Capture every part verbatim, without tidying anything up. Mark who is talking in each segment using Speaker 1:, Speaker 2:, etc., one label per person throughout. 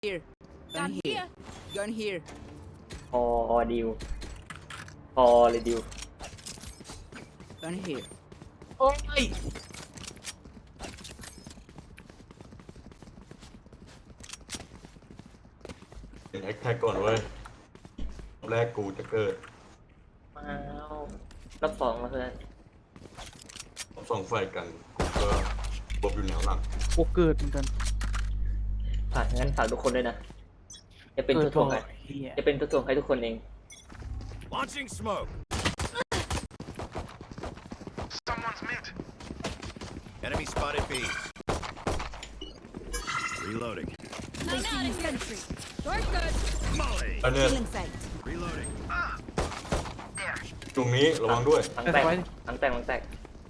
Speaker 1: Here. Gun here. Gun here.
Speaker 2: พอดิวพอเลยดิว
Speaker 1: Gun here.
Speaker 2: โอ้ย
Speaker 3: เป็นแอคแท็กก่อนเว้ยรอบแรกกูจะเกิด
Speaker 2: มาแล้วรอบสองแล้วเพื่อน
Speaker 3: รอบสองไฟกันกูก็บวบอยู่แนวหลัง
Speaker 4: โอ้เกิดเหมือนกัน
Speaker 2: ฝากงั้นฝากทุกคนด้วยนะจะเป็นตัวถ่วงให้
Speaker 4: เฮีย
Speaker 2: จะเป็นตัวถ่วงให้ทุกคนเอง
Speaker 5: Launching smoke. Someone's mid. Enemy spotted B. Reloading.
Speaker 1: Placing sentry. Short good.
Speaker 5: Molly.
Speaker 3: อันเนี้ย
Speaker 1: Killing sight.
Speaker 5: Reloading.
Speaker 3: ตรงนี้ระวังด้วย
Speaker 2: หลังแตกหลังแตกหลังแตก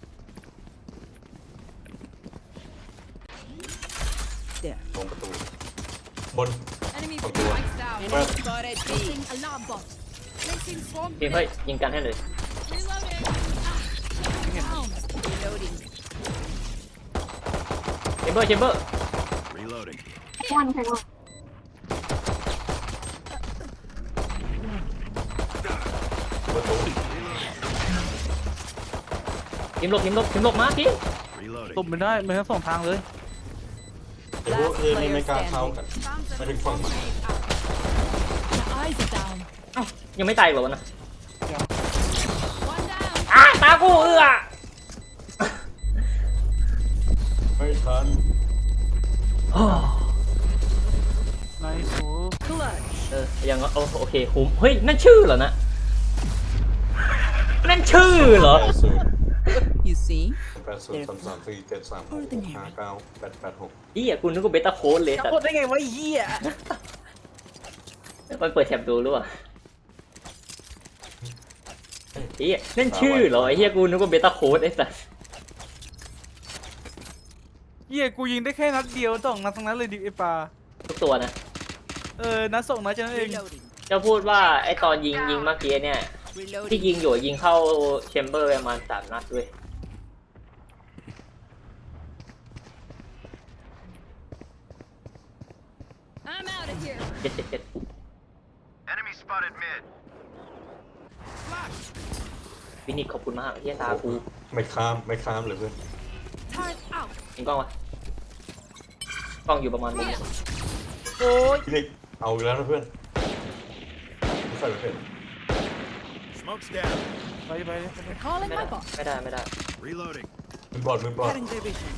Speaker 1: There.
Speaker 3: ตรงประตูบน
Speaker 1: Enemy
Speaker 3: Oh, good.
Speaker 1: spikes down.
Speaker 3: Well.
Speaker 1: Enemy spotted B. Placing alarm bot. Placing swarm
Speaker 2: ทีมเฮ้ย
Speaker 1: grenade.
Speaker 2: ยิงกันให้เลย
Speaker 1: Reloading. Down. Reloading.
Speaker 2: เชมเบอร์เชมเบอร์
Speaker 5: Reloading.
Speaker 3: ประตู
Speaker 2: ทีมหลบทีมหลบทีมหลบมาทีม
Speaker 5: Reloading.
Speaker 4: ตบไม่ได้มันทั้งสองทางเลย
Speaker 3: ไอ้พวกเอนี่ไม่กล้าเข้ากันไม่ถึงฝั่งมัน
Speaker 1: The eyes are down.
Speaker 2: เอ้ายังไม่ตายอีกเหรอวะนะ
Speaker 1: One down.
Speaker 2: อ้าตากูเอื้อ
Speaker 3: ไม่ทัน
Speaker 2: โอ้
Speaker 4: ไนส์โอ้
Speaker 1: Clutch.
Speaker 2: เออยังโอโอเคคุ้มเฮ้ยนั่นชื่อเหรอนะนั่นชื่อเหรอ
Speaker 3: แปดศูนย์
Speaker 1: You see?
Speaker 3: แปดศูนย์สามสามสี่เจ็ดสามหกหกห้าเก้าแปดแปดหก
Speaker 2: เฮียกูนึกว่าเบต้าโค้ดเลย
Speaker 4: จะ
Speaker 2: สัต
Speaker 4: พูด
Speaker 2: ว์
Speaker 4: ได้ไงวะเฮีย
Speaker 2: ไปเปิดแท็บดูหรือเปล่าเฮียนั่นชื่อเหรอไอ้เฮียกูนึกว่าเบต้าโค้ดไอ้สัส
Speaker 4: เฮียกูยิงได้แค่นัดเดียวสองนัดทั้งนั้นเลยดิไอปลา
Speaker 2: ทุกตัวนะ
Speaker 4: เออนัดสองนัดแค่นั้นเอง
Speaker 1: Reloading.
Speaker 2: จะพูดว่าไอ้ตอนยิงยิงเมื่อกี้เนี่ยที่
Speaker 1: Reloading.
Speaker 2: ยิงอยู่ยิงเข้าแชมเบอร์ประมาณสามนัดด้วย
Speaker 1: I'm out of here.
Speaker 2: เจ็ดเจ็ดเจ็ด
Speaker 5: Enemy spotted mid.
Speaker 2: ฟินิกขอบคุณมากเฮียตากู
Speaker 3: ไม่ข้ามไม่ข้ามเลยเพื่อน
Speaker 1: Turret out.
Speaker 2: ยิงกล้องวะกล้องอยู่ประมาณมุมนี้
Speaker 4: โอ้ย
Speaker 3: พี่นิกเอาอีกแล้วนะเพื่อนไม่ใส่ไม่เป็น
Speaker 5: Smoke's down.
Speaker 4: ไปไปเลยไปเลย
Speaker 1: Calling
Speaker 2: ไม่ได้
Speaker 1: my bot.
Speaker 2: ไม่ได้ไม่ได้
Speaker 5: Reloading.
Speaker 3: มือบอดมือบอด
Speaker 1: Cutting their vision.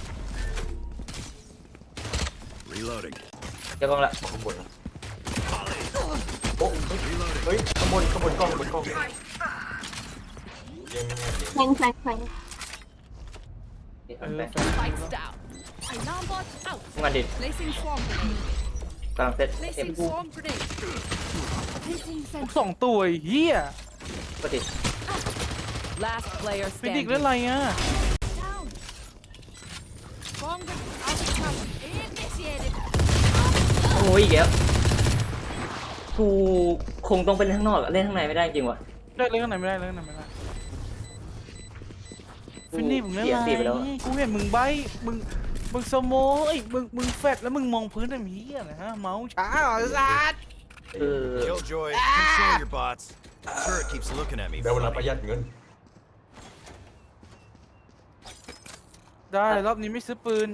Speaker 5: Reloading.
Speaker 2: เดี๋ยวกล้องละ
Speaker 3: ข้างบนนะ
Speaker 5: Molly.
Speaker 3: โอ้เฮ้ย
Speaker 5: Reloading.
Speaker 3: เฮ้ยข้างบนข้างบนกล้องข้างบนกล้องยังไม่แน่เลย
Speaker 6: แฟงแฟงแฟง
Speaker 2: นี่
Speaker 4: เอ
Speaker 2: ทำ
Speaker 4: อ
Speaker 2: ไป
Speaker 4: แฟน
Speaker 1: Spikes down. Alarm bot out.
Speaker 2: ทำงานดิ
Speaker 1: Placing swarm grenade.
Speaker 2: กำลังเซตเอ็ม
Speaker 1: Placing swarm grenade. Placing
Speaker 4: ทุก
Speaker 1: sentry.
Speaker 4: สองตัวไอ้เฮีย
Speaker 2: ก็ดิ
Speaker 1: Last player
Speaker 4: ฟินิก
Speaker 1: standing.
Speaker 4: เล่นอะไรอ่ะ
Speaker 1: Down. Swarm grenade out of cover. Initiated.
Speaker 2: โอ้ยอีกแล้วกูคงต้องไปเล่นข้างนอกอะเล่นข้างในไม่ได้จริงวะ
Speaker 4: ได้เล่นข้างไหนไม่ได้เล่นข้างไหนไม่ได้ฟินิกมึงเล่น
Speaker 2: เสีย
Speaker 4: อะไร
Speaker 2: สีไปแล้ว
Speaker 4: กูเห็นมึงใบมึงมึงสโมเอ้ยมึงมึงแฟดแล้วมึงมองพื้นทำเฮียนะฮะเมาส์ช้าเหรอสัส
Speaker 2: เออ
Speaker 5: Killjoy. Control your bots. Turret keeps looking at me.
Speaker 3: ได้เวลา
Speaker 5: funny.
Speaker 3: ประหยัดเงิน
Speaker 4: ได้รอบนี้ไม่ซื้อปืน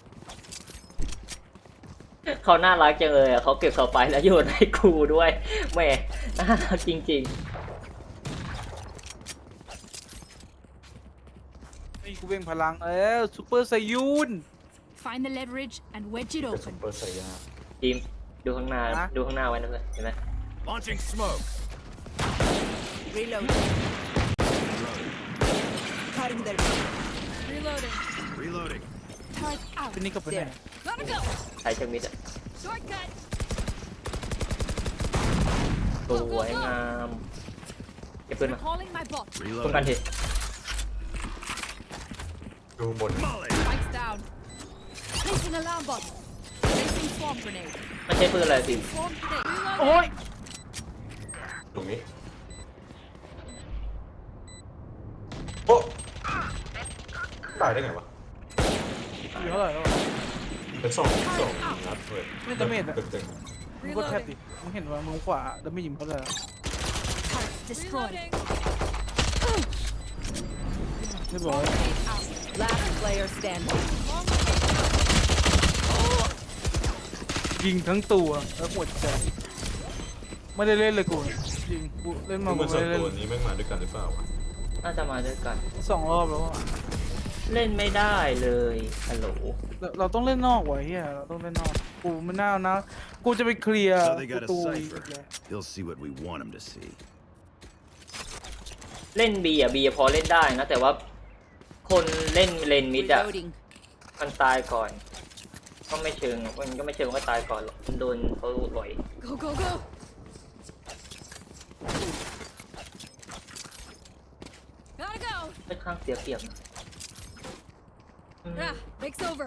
Speaker 2: เขาน่ารักจังเลยอะเขาเก็บเขาไปแล้วโยนให้กูด้วยแหม่น่ารักจริง
Speaker 4: ไอ้กูเบ่งพลังเออซูเปอร์ไซยูน
Speaker 1: Find the leverage and wedge it
Speaker 3: เป็นซุป
Speaker 1: open.
Speaker 3: เปอร์ไซยา
Speaker 2: ๆทีมดูข้างหน้า
Speaker 4: ฮะ
Speaker 2: ดูข้างหน้าไว้นะเพื่อนเห็นไหม
Speaker 5: Launching smoke.
Speaker 1: Reloading. Cutting their vision. Reloading.
Speaker 5: Reloading.
Speaker 1: Turret out.
Speaker 4: ฟินิกกับไปไหน
Speaker 1: There. Gotta go.
Speaker 2: ใช้เชิงมิดอะ
Speaker 1: Shortcut.
Speaker 2: สวยงามเก็บปืนมา
Speaker 1: Calling my bot.
Speaker 2: ป้องกัน
Speaker 5: Reloading.
Speaker 2: ที
Speaker 3: ดูบน
Speaker 5: Molly.
Speaker 1: Spikes down. Placing alarm bot. Placing swarm grenade.
Speaker 2: มันใช้ปืนอะไรทีม
Speaker 1: Swarm grenade.
Speaker 4: โอ้ย
Speaker 3: ตรงนี้โอ้ตายได้ไงวะ
Speaker 4: อยู่เท่าไหร่แล้ววะ
Speaker 3: เป็นสองสองนัดเลย
Speaker 4: ไม่ดาเมจอะ
Speaker 3: เต็ม
Speaker 4: มึงกดแท็บดิมึงเห็นว่ามือขวาดาเมจยิงเขาเลยอะ
Speaker 1: Turret destroyed.
Speaker 6: Reloading.
Speaker 4: เรียบร้อย
Speaker 6: Last player standing.
Speaker 4: ยิงทั้งตัวแล้วหัวใจไม่ได้เล่นเลยกูยิงกูเล่น
Speaker 3: ๆ
Speaker 4: มา
Speaker 3: เห
Speaker 4: กู
Speaker 3: มือนสอ
Speaker 4: ไม่
Speaker 3: ง
Speaker 4: ได้เล่น
Speaker 3: ตัวนี้แม่งมาด้วยกันหรือเปล่าวะ
Speaker 2: น่าจะมาด้วยกัน
Speaker 4: สองรอบแล้วอะ
Speaker 2: เล่นไม่ได้เลยฮัลโหล
Speaker 4: เราเราต้องเล่นนอกว่ะเฮียเราต้องเล่นนอกกูไม่น่านะกูจะไปเคลียร์
Speaker 5: So they
Speaker 4: ป
Speaker 5: got
Speaker 4: ระ
Speaker 5: a
Speaker 4: ตู
Speaker 5: cipher. He'll see what we want him to see.
Speaker 2: เล่นบีอ่ะบีพอเล่นได้นะ แต่ว่าคนเล่นเลนมิดอ่ะ
Speaker 6: Reloading.
Speaker 2: มันตายก่อน ก็ไม่เชิงมันก็ไม่เชิงว่าตายก่อนหรอกมันโดนเขาบ่อย
Speaker 1: Go, go, go. Gotta go.
Speaker 2: ค่อนข้างเสียเปรียบนะอืม
Speaker 1: Yeah, break's over.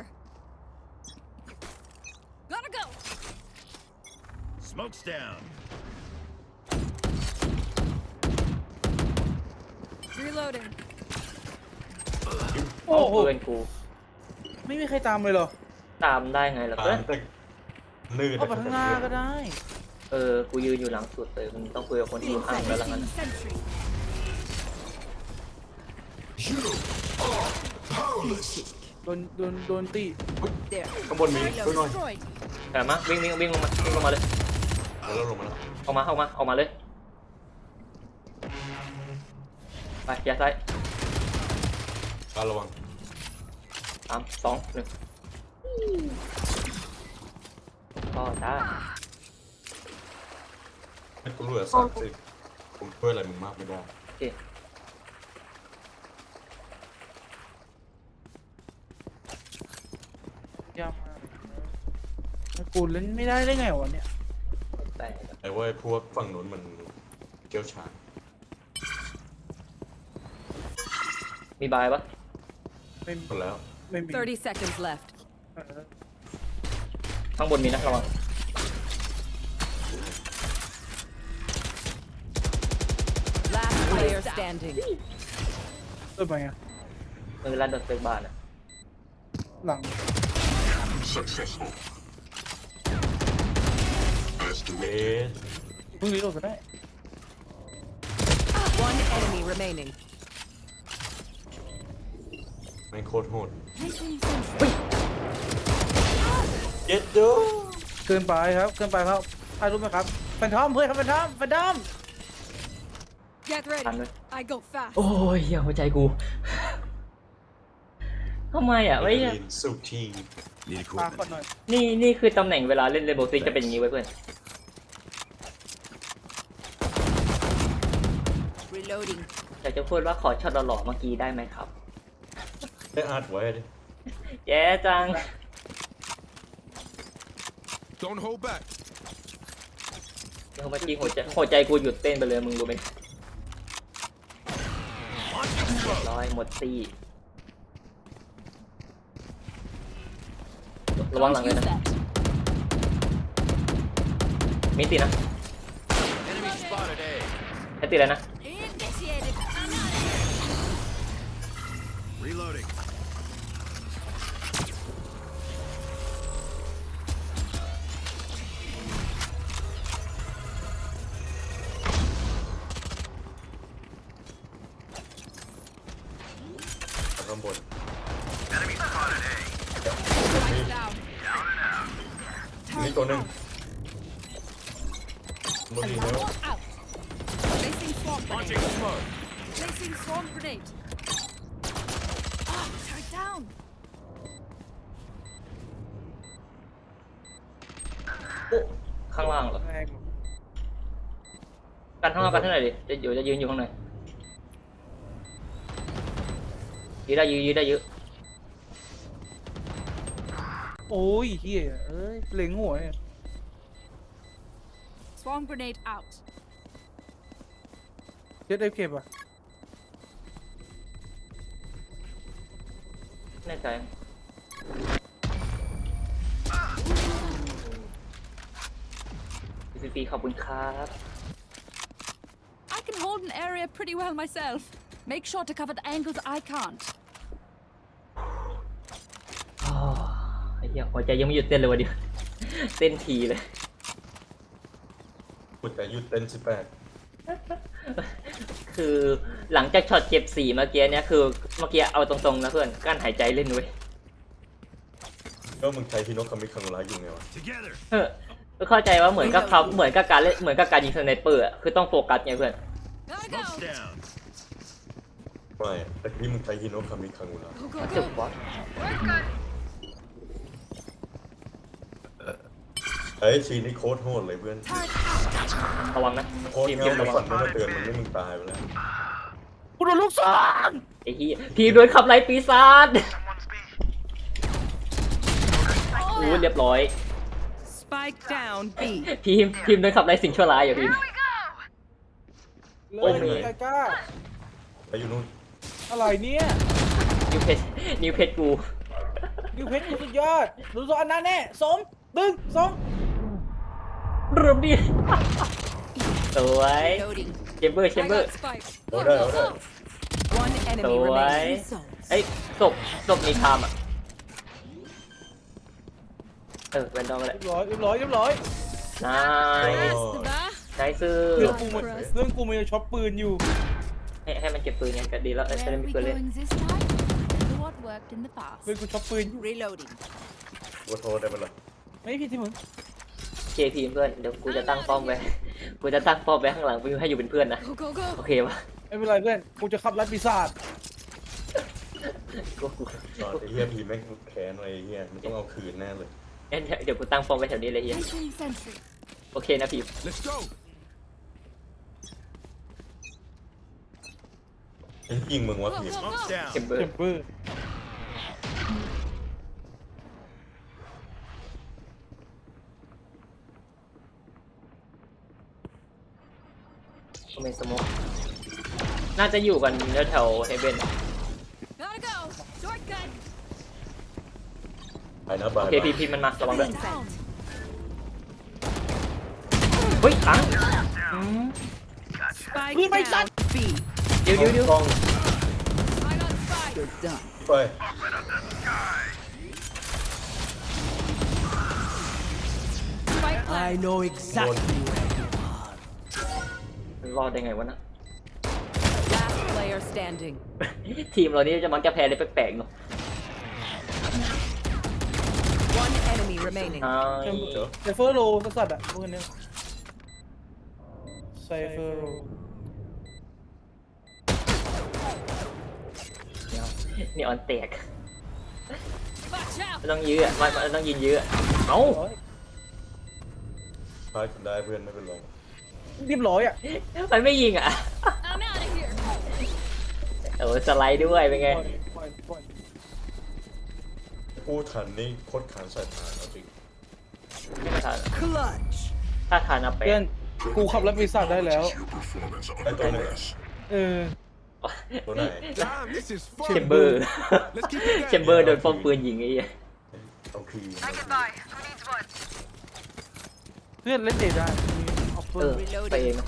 Speaker 1: Gotta go.
Speaker 5: Smoke's down.
Speaker 1: Reloading.
Speaker 4: โอ้
Speaker 2: โอ้
Speaker 4: โห
Speaker 2: เพื่อนกู
Speaker 4: ไม่มีใครตามเลยเหรอ
Speaker 2: ตามได้ไงล่ะ
Speaker 3: ตา
Speaker 2: เพื่อน
Speaker 3: มแต่ลื่น
Speaker 4: เข้าไปข้างหน้าก็ได้
Speaker 2: เออกูยืนอยู่หลังสุดเลยมันต้องคุยกับคนที่อยู่ข้างแล้วละกัน
Speaker 1: Placing sentry.
Speaker 4: โดนโดนโดนตี
Speaker 6: There.
Speaker 3: ข้างบนมีช่วยหน่อย
Speaker 1: Destroyed.
Speaker 2: แต่มาวิ่งวิ่งวิ่งลงมาวิ่งลงมาเลย
Speaker 3: แล้วลงมาแล้ว
Speaker 2: ออกมาออกมาออกมาเลยไปอย่าซ้าย
Speaker 3: ตาระวัง
Speaker 2: สามสองหนึ่งก็ได้
Speaker 3: ให้กูเหลือสามสิบผมช่วยอะไรมึงมากไม่ได้
Speaker 2: โอเค
Speaker 4: ยากมากแล้วกูเล่นไม่ได้ได้ไงวะเนี่ย
Speaker 2: แต่
Speaker 3: แต่ว่าไอ้พวกฝั่งนู้นมันเกี่ยวชาญ
Speaker 2: มีบายปะ
Speaker 4: ไม่
Speaker 3: หมดแล้ว
Speaker 4: ไม่มี
Speaker 6: thirty seconds left.
Speaker 4: เออ
Speaker 2: ข้างบนมีนะระวัง
Speaker 6: Last player standing.
Speaker 4: เปิดไปอ่ะ
Speaker 2: มือลั่นโดนเซ็กบาร์น่ะ
Speaker 4: หลัง
Speaker 3: เอ๊ะ
Speaker 4: เพิ่งรีโหลดไปได้
Speaker 6: One enemy remaining.
Speaker 3: แม่งโคตรโหด
Speaker 1: Placing sentry.
Speaker 3: เย็ดดู
Speaker 4: เกินไปครับเกินไปครับถ่ายรูปไหมครับแฟนทอมเพื่อนครับแฟนทอมแฟนทอม
Speaker 1: Get ready.
Speaker 2: Ăn rồi.
Speaker 1: I go fast.
Speaker 2: โอ้ยเหี้ยหัวใจกูทำไมอ่ะไม่
Speaker 3: ลินสุที
Speaker 5: Need
Speaker 4: มาก่อน
Speaker 5: equipment.
Speaker 4: หน่อย
Speaker 2: นี่นี่คือตำแหน่งเวลาเล่นเรนโบว์ซิกจะเป็นอย่างนี้ไว้เพื่อน
Speaker 6: Reloading.
Speaker 2: อยากจะพูดว่าขอช็อตหล่อๆเมื่อกี้ได้ไหมครับ
Speaker 3: ได้อาร์ตไว้ดิ
Speaker 2: แย่จัง
Speaker 5: Don't hold back.
Speaker 2: เดี๋ยวเมื่อกี้หัวใจหัวใจกูหยุดเต้นไปเลยมึงรู้ไหมเรียบร้อยหมดตีระวังหลัง
Speaker 1: Don't
Speaker 2: เลย
Speaker 1: use
Speaker 2: นะ
Speaker 1: that.
Speaker 2: มีตีนะ
Speaker 5: Enemy spotted A.
Speaker 2: แค่ตีเลยนะ
Speaker 1: Initiated.
Speaker 5: Reloading.
Speaker 3: Ởข้างบน
Speaker 1: Right down.
Speaker 3: นี่ตัวหนึ่งบนดีแล้ว
Speaker 1: Alarm bot out. Placing swarm grenade. Placing swarm grenade. Ah, turret down.
Speaker 2: โอ้ข้างล่างเหรอ
Speaker 4: แรง
Speaker 2: กันข้างล่างกันเท่าไหร่ดิจะอยู่จะยืนอยู่ข้างในยืนได้ยืนยืนได้เยอะ
Speaker 4: โอ้ยเฮียเอ้ยเล็งหัวเนี่ย
Speaker 1: Swarm grenade out.
Speaker 4: เจ็ดได้เก็บอ่ะ
Speaker 2: แน่ใจพีพีขอบคุณครับ
Speaker 1: I can hold an area pretty well myself. Make sure to cover the angles I can't.
Speaker 2: อ้าวไอ้เหี้ยหัวใจยังไม่หยุดเต้นเลยวะเดียวเต้นทีเลย
Speaker 3: กูแต่หยุดเต้นสิบแปด
Speaker 2: คือหลังจากช็อตเก็บสี่เมื่อกี้เนี่ยคือเมื่อกี้เอาตรงๆนะเพื่อนกั้นหายใจเล่นเว้ย
Speaker 3: ก็มึงใช้ฮิโนะคามิคังร้ายอยู่ไงวะ
Speaker 5: Together.
Speaker 2: เออเข้าใจว่าเหมือนกับเขาเหมือนกับการเล่นเหมือนกับการยิงสไนเปอร์อะคือต้องโฟกัสไงเพื่อน
Speaker 1: Gotta
Speaker 5: Smoke's
Speaker 1: go.
Speaker 5: down.
Speaker 3: ไม่แต่ที่มึงใช้ฮิโนะคามิคังร้าย
Speaker 1: Go, go,
Speaker 2: จุด
Speaker 1: go.
Speaker 2: บอส
Speaker 3: ไอ้ชีนี่โคตรโหดเลยเพื่อน
Speaker 2: ระวังนะ
Speaker 3: โคตร
Speaker 2: ทีม
Speaker 3: เงา
Speaker 2: ทีม
Speaker 3: ใน
Speaker 2: ระวั
Speaker 3: ฝั
Speaker 2: ง
Speaker 3: นไม่มาเตือนมึงนี่มึงตายไปแล้ว
Speaker 4: กูโดนลูกศร
Speaker 2: ไอ้เหี้ยทีมโดนขับไล่ปีศาจอู้เรียบร้อย
Speaker 6: Spike down B.
Speaker 2: ทีมทีมโดนขับไล่สิ่งชั่วร้ายอยู่ทีม
Speaker 4: เล
Speaker 2: โอ้
Speaker 4: ย
Speaker 2: เหนื่อย
Speaker 4: ไกกล้า
Speaker 3: ไปอยู่นู่น
Speaker 4: อะไรเนี่ย
Speaker 2: นิวเพชรนิวเพชรกู
Speaker 4: นิวเพชรกูสุดยอดดูสอันนั้นแน่สมดึงสม
Speaker 2: เริ่มดิสวย
Speaker 6: Reloading.
Speaker 2: เชมเบอร์เช
Speaker 1: I
Speaker 2: มเบอร์
Speaker 1: got spike.
Speaker 3: เอาได้เอาได้
Speaker 6: One enemy
Speaker 2: Rồi.
Speaker 6: remaining.
Speaker 2: เอ้ยศพศพมีคามอ่ะเออเป็นดองอะไร
Speaker 4: เรียบร้อยเรียบร้อยเรียบร้อย
Speaker 2: นาย
Speaker 1: Nice, da.
Speaker 2: ใช้ซื้อ
Speaker 4: เรื่องกูมันเรื่องกูมันจะช็อปปืนอยู่
Speaker 2: ให้ให้มันเก็บปืนยังก็ดีแล้วเออจะ
Speaker 1: Where
Speaker 2: ได้
Speaker 1: are
Speaker 2: มี
Speaker 1: we
Speaker 2: ปืนเล่น
Speaker 1: going this time? Remember what worked in the past.
Speaker 4: เรื่องกูช็อปปืนอยู่
Speaker 6: Reloading.
Speaker 3: กูโทษได้ปะล่ะ
Speaker 4: ไม่ผิดที่มึง
Speaker 2: เคทีมเพื่อนเดี๋ยวกูจะตั้งป้อมไว้กูจะตั้งป้อมไว้ข้างหลังกูให้อยู่เป็นเพื่อนนะ
Speaker 1: Go, go, go.
Speaker 2: โอเคปะ
Speaker 4: ไม่เป็นไรเพื่อนกูจะขับรัดปีศาจ
Speaker 2: กูกู
Speaker 3: ตอนไอ้เฮียพีแม่งแค้นอะไรไอ้เฮียมันต้องเอาคืนแน่เลย
Speaker 2: งั้นเดี๋ยวกูตั้งป้อมไว้แถวนี้เลยเฮีย
Speaker 1: Placing sentry.
Speaker 2: โอเคนะพี่
Speaker 5: Let's go.
Speaker 3: ไอ้ยิงมึงวะ
Speaker 1: Go,
Speaker 3: พี
Speaker 1: go,
Speaker 5: Smoke's
Speaker 1: go.
Speaker 2: เช
Speaker 5: down.
Speaker 2: มเบอ
Speaker 4: เท
Speaker 2: ร์
Speaker 4: มเปอร์
Speaker 2: เมนสโมกน่าจะอยู่กันแถวเฮเบน
Speaker 1: Gotta go. Shortcut.
Speaker 3: ไปนะบา
Speaker 2: โอย เค
Speaker 3: บาย
Speaker 2: พีพีมันมาระวังด้วย
Speaker 1: Down.
Speaker 2: เฮ้ยขังอืม
Speaker 6: Spike
Speaker 4: Who made
Speaker 6: down B.
Speaker 2: เดี๋ยวเดี๋ยวเดี๋ยว
Speaker 3: กล้อง
Speaker 1: I got spike.
Speaker 6: You're done.
Speaker 3: ไป
Speaker 1: Spike plant.
Speaker 6: know
Speaker 3: โดน
Speaker 2: มันรอดได้ไงวะนะ
Speaker 6: Last player standing.
Speaker 2: ทีมเรานี่จะมักจะแพ้เลยแปลกๆเนาะ
Speaker 6: One enemy remaining.
Speaker 2: ใช่
Speaker 3: เจอ
Speaker 4: ไซเฟอร์โรสัสๆอ่ะพวกนี้ไซเฟอร์โร
Speaker 2: นี่ออนแตก
Speaker 1: Watch out.
Speaker 2: มันต้องยื้ออ่ะมันมันต้องยิงยื้ออะเอ้า
Speaker 4: ร้อย
Speaker 3: พาคุณได้เพื่อนไม่เป็นไร
Speaker 4: เรียบร้อยอ่ะ
Speaker 2: มันไม่ยิงอ่ะ
Speaker 1: I'm out of here.
Speaker 2: โอ้สไลด์ด้วยเป็นไง
Speaker 4: ปล่อยปล่อยปล่อย
Speaker 3: พูดทันนี่โคตรขานสายตาเอาจริง
Speaker 2: ไม่ทัน
Speaker 6: Clutch.
Speaker 2: ถ้าทานเอาไป
Speaker 4: เพื่อนกูขับรัดปีศาจได้แล้ว
Speaker 3: ไอ้ตัวไหน
Speaker 4: เออ
Speaker 3: ตัวไหน
Speaker 5: Damn, this is
Speaker 2: เช
Speaker 5: fun.
Speaker 2: มเบอร์
Speaker 5: Let's keep it
Speaker 2: เชมเบอร์โดนป้อมปืนยิงไอ้เหี้ย
Speaker 3: เอาคืน
Speaker 4: เพื่อนเล่นเดทได้มีออฟเฟ
Speaker 2: เอ
Speaker 4: อ
Speaker 2: อ
Speaker 4: ร์
Speaker 2: ไปเองนะ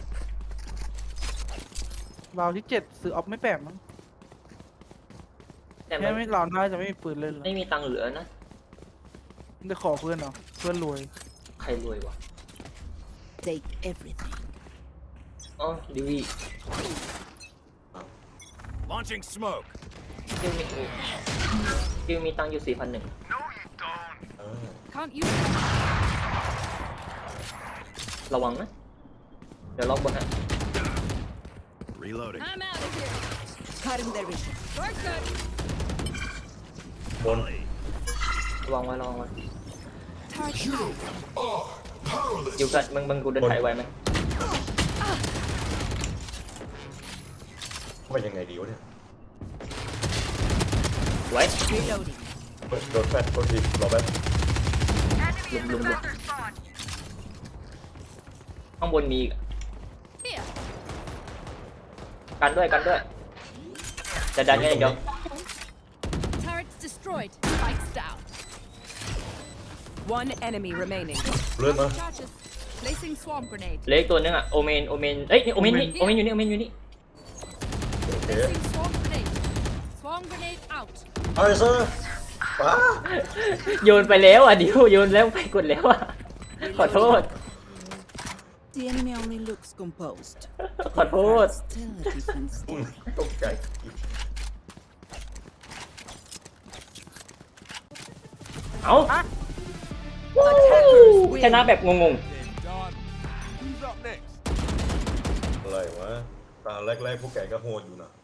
Speaker 4: ราวที่เจ็ดซื้อออฟไม่แปลกมั้ง
Speaker 2: แต่มั
Speaker 4: แค่
Speaker 2: น
Speaker 4: ไม่ราวหน้าจะไม่มีปืนเล่นแล้ว
Speaker 2: ไม่มีตังค์เหลือนะ
Speaker 4: ได้ขอเพื่อนเหรอเพื่อนรวย
Speaker 2: ใครรวยวะ
Speaker 6: Take everything.
Speaker 2: อ๋อดิวี
Speaker 5: Launching smoke.
Speaker 2: ดิวมีดิวมีตังค์อยู่สี่พันหนึ่ง
Speaker 3: อ่า
Speaker 1: Can't use that.
Speaker 2: ระวังนะ เดี๋ยวล็อกบนฮะ
Speaker 5: Reloading.
Speaker 1: I'm out of here.
Speaker 6: Cutting their vision.
Speaker 1: Shortcut.
Speaker 3: บน
Speaker 2: ระวังไว้ระวังไว้
Speaker 1: Target down.
Speaker 2: อยู่กันมึงมึงกูเดินถ่ายไวไหม
Speaker 3: ว่ายังไงดีวะเนี่ย
Speaker 2: ไว้
Speaker 6: Reloading.
Speaker 3: เฮ้ยโดนแฟดโดนทีรอแป๊บ
Speaker 2: ลุมลุมลุมข้างบนมีอีก
Speaker 1: Here.
Speaker 2: กันด้วยกันด้วยจะดันยังไงเดี๋ยว
Speaker 1: Turret's destroyed. Spikes down.
Speaker 6: One enemy remaining.
Speaker 3: เลื่อนมา
Speaker 1: Charges. Placing swarm grenade.
Speaker 2: เหลืออีกตัวนึงอ่ะโอเมนโอเมนเอ้ยนี่โอเมนนี่โอเมนอยู่นี่โอเมนอยู่นี่
Speaker 3: โอเค
Speaker 1: Placing swarm grenade. Swarm grenade out.
Speaker 3: ไอ้เซอร์ป้า
Speaker 2: โยนไปแล้วอ่ะดิวโยนแล้วไปกดแล้วอ่ะขอโทษ
Speaker 6: The enemy only looks composed.
Speaker 2: ขอโทษ
Speaker 6: Still a different
Speaker 3: อุ้ย
Speaker 6: story.
Speaker 3: ตกใจ
Speaker 2: เอ้า
Speaker 6: Attackers win.
Speaker 2: ชนะแบบงง
Speaker 5: Then done. Who's up next?
Speaker 3: อะไรวะตาแรกๆพวกแกก็โหดอยู่นะ